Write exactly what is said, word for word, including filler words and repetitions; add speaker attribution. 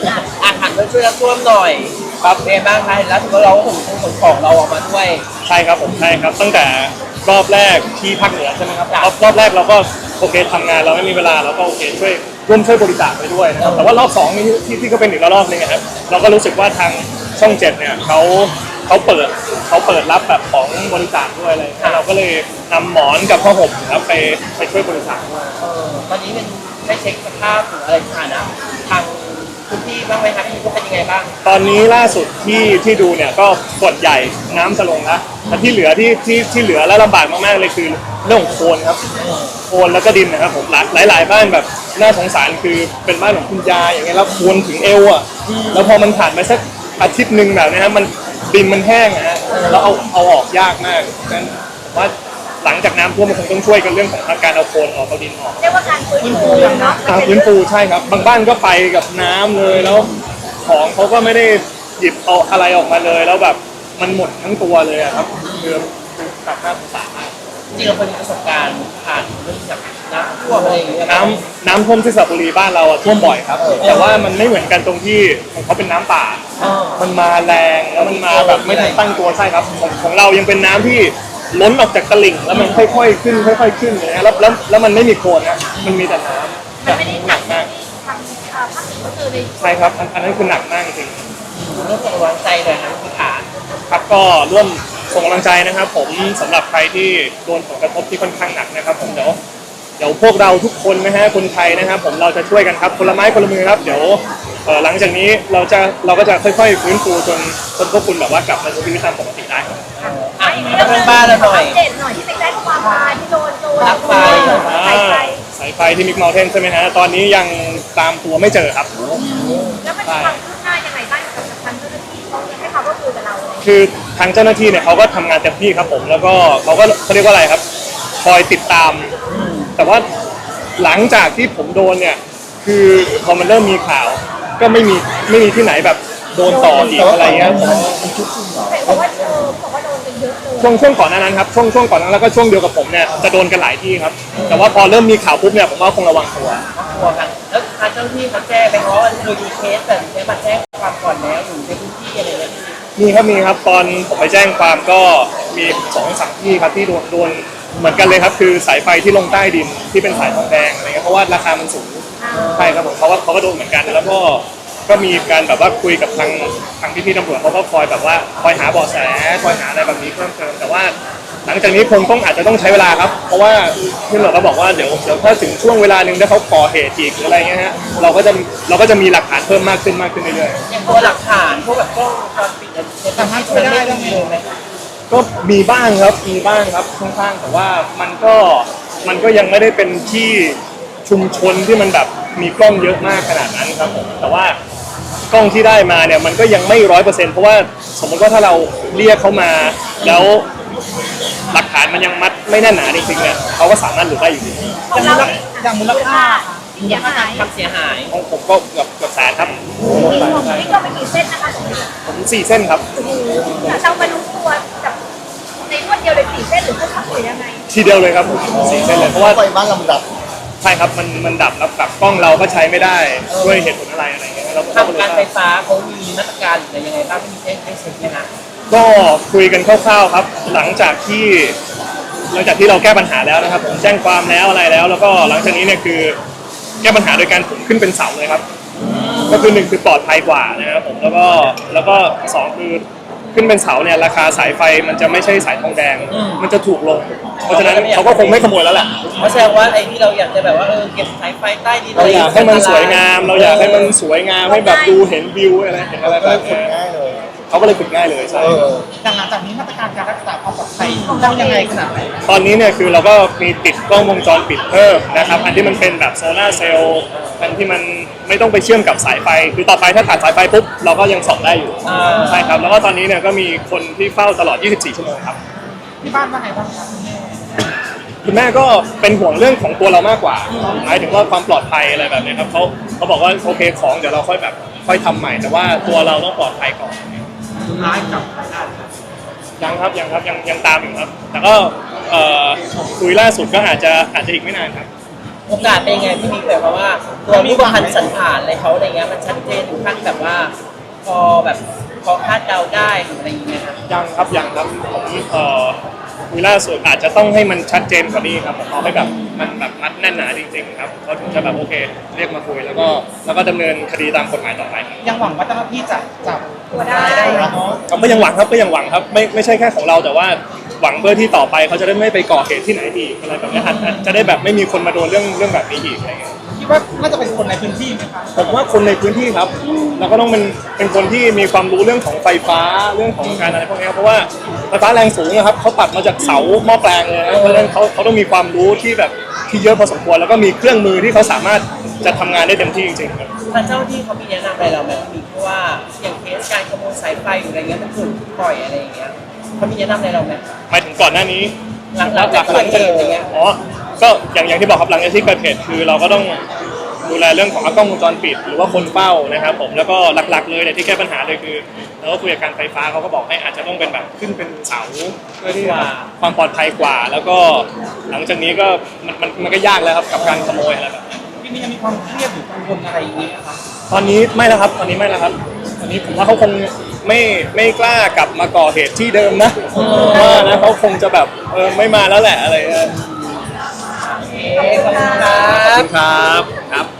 Speaker 1: อ่านช่วยช่วยรับท่วมหน่อยครับเป็นบ้างคะแล้วถือว่าเราขนขนของเราออกมาด้วย
Speaker 2: ใช่ครับผมใช่ครับตั้งแต่รอบแรกที่ภาคเหนือใช่ไหมครับรอบรอบแรกเราก็โอเคทำงานเราไม่มีเวลาเราก็โอเคช่วยร่วมช่วยบริจาคไปด้วยนะครับแต่ว่ารอบสองนี่ที่ที่ก็เป็นอีกระลอกนึงนะครับเราก็รู้สึกว่าทางช่องเจ็ดเนี่ยเขาเขาเปิดเขาเปิดรับแบบของบริจาคด้วยอะไรเราก็เลยนำหมอนกับผ้าห่มครับไปไปช่วยบริจาคด้วย
Speaker 1: เออตอนนี้เป็นได้เช็คสภาพหรืออะไรสถานะทางพื้นที่บ้างไหมครับที่เป็นยังไงบ้าง
Speaker 2: ตอนนี้ล่าสุดที่ที่ดูเนี่ยก็ส่วนใหญ่น้ำจะลงแล้วแต่ที่เหลือที่ที่ที่เหลือและลำบากมากๆเลยคือเรื่องของโคลนครับโคลนแล้วก็ดินนะครับผมหลายหลายบ้านแบบน่าสงสารคือเป็นบ้านของคุณยายอย่างเงี้ยแล้วโคลนถึงเอวอ่ะแล้วพอมันผ่านไปสักอาทิตย์หนึ่งแบบนี้ครับมันดินมันแห้งนะฮะแล้วเอาเอาออกยากมากงั้นผมว่าหลังจากน้ำท่วมมันคงต้องช่วยกันเรื่องของการเอาโคลนออกเอาดินออก
Speaker 3: เรียกว่าการฟื้นฟูเนาะ
Speaker 2: การฟื้นฟูใช่ครับบางบ้านก็ไปกับน้ำเลยแล้วของเขาก็ไม่ได้หยิบเอาอะไรออกมาเลยแล้วแบบมันหมดทั้งตัวเลยครับคือตัดหน้าสงสารมาก
Speaker 1: จริงๆเราเคยมีประสบการณ์ผ่านเรื่องจากน้ำท่วมอะไรอย่างเงี้ย
Speaker 2: น้ำน้ำท่วมที่สระบุรีบ้านเราท่วมบ่อยครับแต่ว่ามันไม่เหมือนกันตรงที่ของเขาเป็นน้ำป่ามันมาแรงแล้วมันมาแบบไม่ทันตั้งตัวใช่ครับของของเรายังเป็นน้ำที่ล้นออกจากตลิ่งแล้วมันค่อยๆขึ้นค่อยๆขึ้นอย่างเงี้ยแล้วแล้วแล้วมันไม่มีโคลนนะมันมีแต่น้ำ
Speaker 3: มันไม่ได้หนักมากทางภาคเหนือก็คือใน
Speaker 2: ใช่ครับอันนั้นคือหนักมากจริง
Speaker 1: เรื่องส่งกำลังใจหน่อยนะคุณขา
Speaker 2: ครับก็ร่วมส่งกำลังใจนะครับผมสำหรับใครที่โดนผลกระทบที่ค่อนข้างหนักนะครับผมเดี๋ยวเดี๋ยวพวกเราทุกคนนะฮะคนไทยนะครับผมเราจะช่วยกันครับคนละไม้คนละมือครับเดี๋ยวหลังจากนี้เราจะเราก็จะค่อยๆฟื้นฟูจนจนพวกคุณแบบว่ากลับมาใช้ชีวิตตามปกติได้ครับ
Speaker 1: อ่ะเรื่องบ้านเราหน่อย
Speaker 3: เด่นหน่อยที่ไปแจ้งความมาที่โดนโดน
Speaker 1: ลักไฟ
Speaker 3: สายไฟ
Speaker 2: สายไฟที่มิกเมลเทนใช่ไหมฮะตอนนี้ยังตามตัวไม่เจอครับ
Speaker 3: แล้วมันมีความคืบหน้ายังไงบ้างกับทางเจ้าหน้าที่เขาให้ความร่วมมือกับเราเลย
Speaker 2: คือทางเจ้าหน้าที่เนี่ยเขาก็ทำงานเต็มที่ครับผมแล้วก็เขาก็เขาเรียกว่าอะไรครับคอยติดตามแต่ว่าหลังจากที่ผมโดนเนี่ยคือพอมันเริ่มมีข่าวก็ไม่มีไม่มีที่ไหนแบบโดนต่ออีกอะไรเงี้ย
Speaker 3: บอกว่าเออบอกว่าโดนกันเยอะเลย
Speaker 2: ช่วงช่วงก่อนหน้านั้นครับช่วงช่วงก่อนนั้นแล้วก็ช่วงเดียวกับผมเนี่ยจะโดนกันหลายที่ครับแต่ว่าพอเริ่มมีข่าวปุ๊บเนี่ยผมว่าคงระวังตัว
Speaker 1: ตัวกันแล้วทางเจ้าหน้าที่เขาแจ้งไปเพราะว่าเคยมีเคสแต่เคสมาแจ้งความก่อนแล้วอยู่ในพื้นที่อะไรเงี้ย
Speaker 2: มีครับมีครับตอนผมไปแจ้งความก็มีสองสามที่ครับที่โดนโดนเหมือนกันเลยครับคือสายไฟที่ลงใต้ดินที่เป็นสายทองแดงอะไรเงี้ยเพราะว่าราคามันสูงใช่ครับผมเขาว่าเขาก็โดนเหมือนกันแล้วก็ก็มีการแบบว่าคุยกับทางทางพี่ๆตำรวจเขาก็คอยแบบว่าคอยหาเบาะแสคอยหาอะไรแบบนี้เพิ่มเติมแต่ว่าหลังจากนี้คงต้องอาจจะต้องใช้เวลาครับเพราะว่าที่ตำรวจก็บอกว่าเดี๋ยวเดี๋ยวถ้าถึงช่วงเวลาหนึ่งถ้าเขาก่อเหตุอีกหรืออะไรเงี้ยฮะเราก็จะเราก็จะมีหลักฐานเพิ่มมากขึ้นมากขึ้นเรื่อย
Speaker 1: ๆอย่างตัวหลักฐานพวกแบบกล้องวงจรปิดสามารถช่วยได้ต้องมีไหม
Speaker 2: ก็มีบ้างครับมีบ้างครับค่อนข้างแต่ว่ามันก็มันก็ยังไม่ได้เป็นที่ชุมชนที่มันแบบมีกล้องเยอะมากขนาดนั้นครับผมแต่ว่ากล้องที่ได้มาเนี่ยมันก็ยังไม่ร้อยเปอร์เซ็นต์เพราะว่าสมมติว่าถ้าเราเรียกเขามาแล้วหลักฐานมันยังมัดไม่แน่นหนาจริงๆเนี่ยเขาก็สามารถหลุดได้อยู่ดี
Speaker 3: ของเราอย่างมูลค่าที่เสียหาย
Speaker 1: ความเสียหาย
Speaker 2: ของผมก็เกือบเกือบแสนครับ
Speaker 3: นี่ก็เป็นกี่เส้นนะคะ
Speaker 2: ผมสี่เส้นครับ
Speaker 3: เรามารู้ตัวแบบในรวดเดียวเลยสี่เส้นหรือพวกเขาหรือยังไง
Speaker 2: ทีเดียวเลยครับผมสี่เส้นเลยเพราะว่า
Speaker 4: ไฟบ้านลำดับ
Speaker 2: ใช่ครับมันมันดับแล้วกับกล้องเราก็ใช้ไม่ได้ด้วยเหตุผลอะไรอะไรเงี้ยเรา
Speaker 1: ทางการไฟฟ้าเขามีมาตรการหรือยังไงบ้างที่แจ้งให้เช็คไหมคะ
Speaker 2: ก็คุยกันคร่าวๆครับหลังจากที่หลังจากที่เราแก้ปัญหาแล้วนะครับผมแจ้งความแล้วอะไรแล้วแล้วก็หลังจากนี้เนี่ยคือแก้ปัญหาโดยการผมขึ้นเป็นเสาเลยครับก็คือหนึ่งคือปลอดภัยกว่านะครับผมแล้วก็แล้วก็สองคือขึ้นเป็นเสาเนี่ยราคาสายไฟมันจะไม่ใช่สายทองแดงมันจะถูกลงเพราะฉะนั้นเขาก็คงไม่ขโมยแล้วแหละ
Speaker 1: เพราะแสดงว่าไอ้ที่เราอยากจะแบบว่าเออเก็บสายไฟใต้ดิน
Speaker 2: เราอยากให้มันสวยงามเราอยากให้มันสวยงามให้แบบดูเห็นวิวอะไรเห็นอะไรแบบนี้
Speaker 4: ง่ายเลย
Speaker 2: เขาก็เลยฝึกง่ายเลยใช่
Speaker 1: หลังจากนี้มาตรการการรักษาความปลอดภัยต้องยังไงขนาดไหน
Speaker 2: ตอนนี้เนี่ยคือเราก็มีติดกล้องวงจรปิดเพิ่มนะครับอันที่มันเป็นแบบโซล่าเซลล์อันที่มันไม่ต้องไปเชื่อมกับสายไฟคือต่อไปถ้าขาดสายไฟปุ๊บเราก็ยังส่องได้อยู่ใช่ครับแล้วก็ตอนนี้เนี่ยก็มีคนที่เฝ้าตลอดยี่สิบสี่ชั่วโมงครับ
Speaker 1: ที่บ้านว่าไงบ้างครับ
Speaker 2: คุณแม่ก็เป็นห่วงเรื่องของตัวเรามากกว่าหมายถึงว่าความปลอดภัยอะไรแบบนี้ครับเขาเขาบอกว่าโอเคของเดี๋ยวเราค่อยแบบค่อยทำใหม่แต่ว่าตัวเราต้องปลอดภัยก่อน
Speaker 1: ร้ายกับ
Speaker 2: ยังครับยังครับยังยังตามอยู่ครับแต่ก็คุยล่าสุดก็อาจจะอาจจะอีกไม่นานครับ
Speaker 1: โอกาสเป็นยังไงพี่บิ๊กแบบว่าตัวรูปพรรณสันฐานอะไรเขาอะไรเงี้ยมันชัดเจนถึงขั้นแบบว่า พอแบบพอคาดเดาได้หรืออะไรอย่างเงี้ยครับ
Speaker 2: ยังครับยังครับผมเอ่อคุยล่าสุดอาจจะต้องให้มันชัดเจนกว่านี้ครับผมเอาให้แบบมันแบบมัดแน่นหนาจริงๆครับเขาถึงจะแบบโอเคเรียกมาคุยแล้วก็แล้วก็ดำเนินคดีตามกฎหมายต่อไป
Speaker 4: ยังหวังว่าเจ้าหน้าที่จะจับ
Speaker 3: ตัวได้
Speaker 4: เนาะ
Speaker 2: ครับก็ยังหวังครับก็ยังหวังครับไม่ไม่ใช่แค่ของเราแต่ว่าหวังเพื่อที่ต่อไปเขาจะได้ไม่ไปก่อเหตุที่ไหนอีกอะไรแบบนี้อาจอาจจะได้แบบไม่มีคนมาโดนเรื่องเรื่องแบบนี้อีกอะไรเงี้ย
Speaker 4: คิดว่าน่าจะเป็นคนในพื้นที่ไหมคะ
Speaker 2: ผมว่าคนในพื้นที่ครับเราก็ต้องเป็นเป็นคนที่มีความรู้เรื่องของไฟฟ้าเรื่องของการอะไรพวกนี้ครับเพราะว่าไฟฟ้าแรงสูงนะครับเขาตัดมาจากเสาหม้อแปลงเลยนะเพราะฉะนั้นเขาเขาต้องมีความรู้ที่แบบที่เยอะพอสมควรแล้วก็มีเครื่องมือที่เขาสามารถจะทำงานได้เต็มที่จริงๆครับ
Speaker 1: ทางเจ้าหน้าที่เขามีแนะนำอะไรเราไหมพี่บิ๊กเพราะว่าอย่างเคสการขโมยสายไฟหรืออะไรเงี้ยมันถูกปล่อยอะไรอย่างเงี้ยเขามีแนะนำอะไรเราไหม
Speaker 2: หมายถึงก่อนหน้านี้
Speaker 1: หลังหลังจากเกิดเหตุอะไรเงี้ย
Speaker 2: อ๋อก็อย่างอย่างที่บอกครับหลังจากที่เกิดเหตุคือเราก็ต้องดูแลเรื่องของกล้องวงจรปิดหรือว่าคนเฝ้านะครับผมแล้วก็หลักๆเลยเนี่ยที่แก้ปัญหาเลยคือเราก็คุยกับการไฟฟ้าเขาก็บอกให้อาจจะต้องเป็นแบบขึ้นเป็นเสาเพื่อที่ว่าความปลอดภัยกว่า แล้วก็หลังจากนี้ก็มันมันมันก็ยากแล้วครับกับการขโมยอะไรแบบนี้
Speaker 4: ที่นี่ยังมีความเครียดหรือกังวลอะไรอย่างเงี้ยครับ
Speaker 2: ตอนนี้ไม่แล้วครับตอนนี้ไม่แล้วครับตอนนี้ผมว่าเขาคงไม่ไม่กล้ากลับมาก่อเหตุที่เดิมนะว่านะเขาคงจะแบบเออไม่มาแล้วแหละอะไรเงี้ย
Speaker 1: โอเคขอบคุณครั
Speaker 2: ขอบบ คุณครับครับ